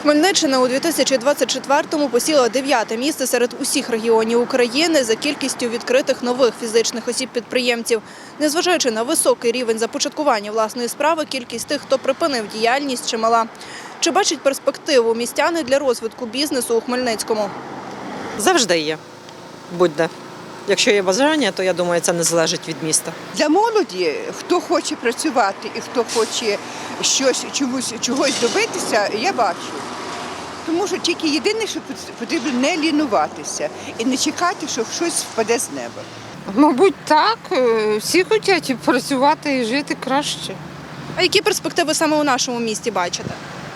Хмельниччина у 2024-му посіла 9-те місце серед усіх регіонів України за кількістю відкритих нових фізичних осіб-підприємців. Незважаючи на високий рівень започаткування власної справи, кількість тих, хто припинив діяльність, чимала. Чи бачать перспективу містяни для розвитку бізнесу у Хмельницькому? Завжди є. Будь-де. Якщо є бажання, то я думаю, це не залежить від міста. Для молоді, хто хоче працювати і хто хоче чогось добитися, я бачу. Тому що тільки єдине, що потрібно не лінуватися і не чекати, що щось впаде з неба. Мабуть, так. Всі хочуть працювати і жити краще. А які перспективи саме у нашому місті бачите?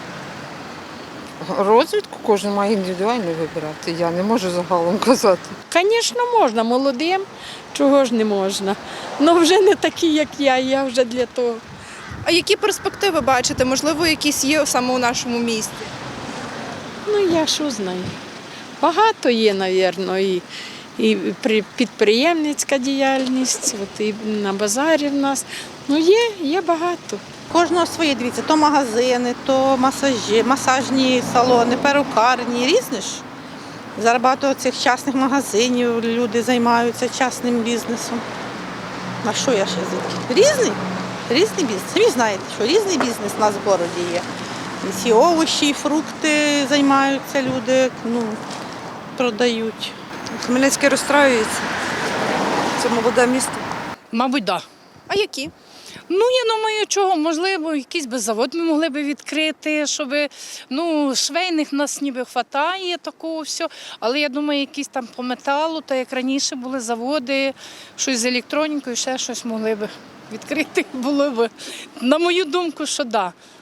Розвитку кожен має індивідуально вибирати. Я не можу загалом казати. Звісно, можна, молодим, чого ж не можна. Ну вже не такі, як я вже для того. А які перспективи бачите? Можливо, якісь є саме у нашому місті? Ну я що знаю. Багато є, мабуть, і підприємницька діяльність, от і на базарі в нас. Ну є багато. Кожного своє, дивіться, то магазини, то масажні салони, перукарні, різні ж. Зараз багато цих частних магазинів, люди займаються частним бізнесом. А що я ще звідки? Різний бізнес. Самі знаєте, що різний бізнес у нас в городі є. І ці овочі, фрукти займаються люди, продають. Хмельницький розстраюється. Це молоде місто. Мабуть, так. Да. А які? Ну, я думаю, чого, можливо, якийсь би завод ми могли б відкрити, щоб, швейних нас ніби вистачає такого всього, але я думаю, якісь там по металу, так як раніше були заводи, щось з електронікою, ще щось могли б відкрити, було б, на мою думку, що да.